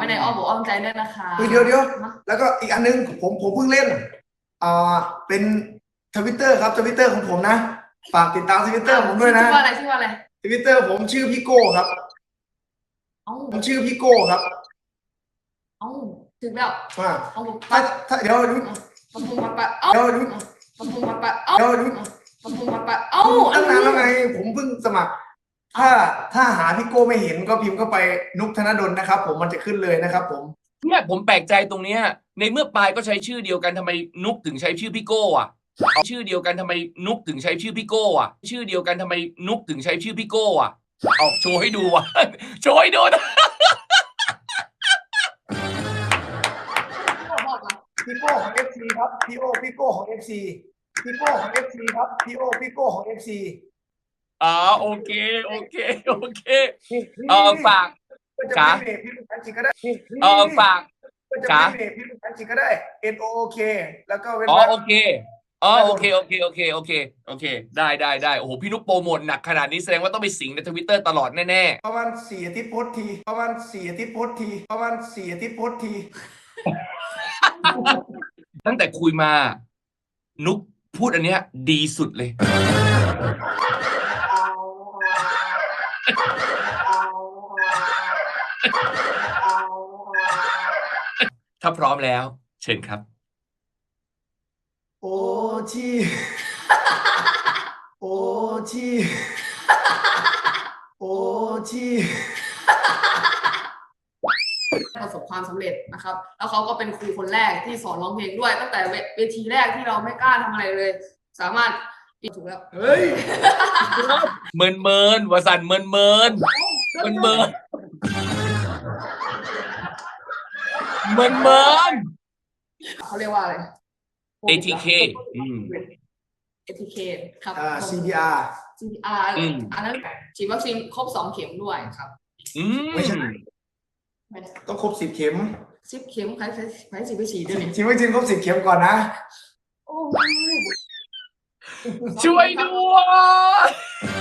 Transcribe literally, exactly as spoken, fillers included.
ว้ในอ้อมอกอ้อมใจด้วยนะคะเดี๋ยวเดี๋ยวแล้วก็อีกอันนึงผมผมเพิ่งเล่นอ่าเป็นทวิตเตอร์ครับทวิตเตอร์ของผมนะฝากติดตามทวิตเตอร์ผมด้วยนะชื่อว่าอะไรชื่อว่าอะไรทวิตเตอร์ผมชื่อพี่โก้ครับผมชื่อพี่โก้ครับเอ้าถึงแล้วอ่าเอาถ้าถ้าเดี๋ยวดูปะพุงปะปะเอ้าเดี๋ยวดูปะพุงปะปะเอ้าเดี๋ยวดูปะพุงปะปะเอ้าตั้งนานแล้วไงผมเพิ่งสมัคร ถ้าถ้าหาพี่โก้ไม่เห็นก็พิมพ์เข้าไปนุกธนดลนะครับผมมันจะขึ้นเลยนะครับผมเนี่ยผมแปลกใจตรงเนี้ยในเมื่อปายก็ใช้ชื่อเดียวกันทำไมนุกถึงใช้ชื่อพี่โก้อะเอาชื่อเดียวกันทำไมนุกถึงใช้ชื่อพี่โก้อะชื่อเดียวกันทำไมนุกถึงใช้ชื่อพี่โก้อะเอาโชว์ให้ดูวะโชว์ให้ดูนะพี่โก้ของ เอฟ ซี ครับพี่โอพี่โก้ของ เอฟ ซี พี่โก้ของ เอฟ ซี ครับพี่โอพี่โก้ของ เอฟ ซีอ๋อโอเคโอเคโอเคเออฝากจ๋าพี่ลูกพันจิก็ได้เออฝากก็จะจ๋าไม่พี่ลูกพันจิก็ได้ N O O K แล้วก็เว้นอ๋อวรรคโอเคอ๋อโอเคโอเคโอเคโอเคโอเคได้ได้ได้โอ้โหพี่นุกโปรโมทหนักขนาดนี้แสดงว่าต้องไปสิงในทวิตเตอร์ตลอดแน่ๆประมาณสี่อาทิตย์โพสต์ทีประมาณสี่อาทิตย์โพสต์ทีประมาณสี่อาทิตย์โพสต์ทีตั้งแต่คุยมา นุกพูดอันเนี้ย ดีสุดเลย ถ้าพร้อมแล้ว เชิญครับโอชีโอชีโอชีประสบความสำเร็จนะครับ แล้วเขาก็เป็นครูคนแรกที่สอนร้องเพลงด้วย ตั้งแต่เวทีแรกที่เราไม่กล้าทำอะไรเลย สามารถถูกแล้วเฮ้ยเมินเมินวสันต์เมินเมินเมินเมินเมินเมินเขาเรียกว่าอะไรเอ ที เค อืมเอ ที เค ครับอ่า ซี พี อาร์ซี พี อาร์อืมอันนั้นฉีดวัคซีนครบสองเข็มด้วยครับอืมไม่ใช่ต้องครบสิบเข็มสิบเข็มใครใครใครสิบไปฉีดด้วยนี่ฉีดวัคซีนครบสิบเข็มก่อนนะโอ้ช่วยด้วย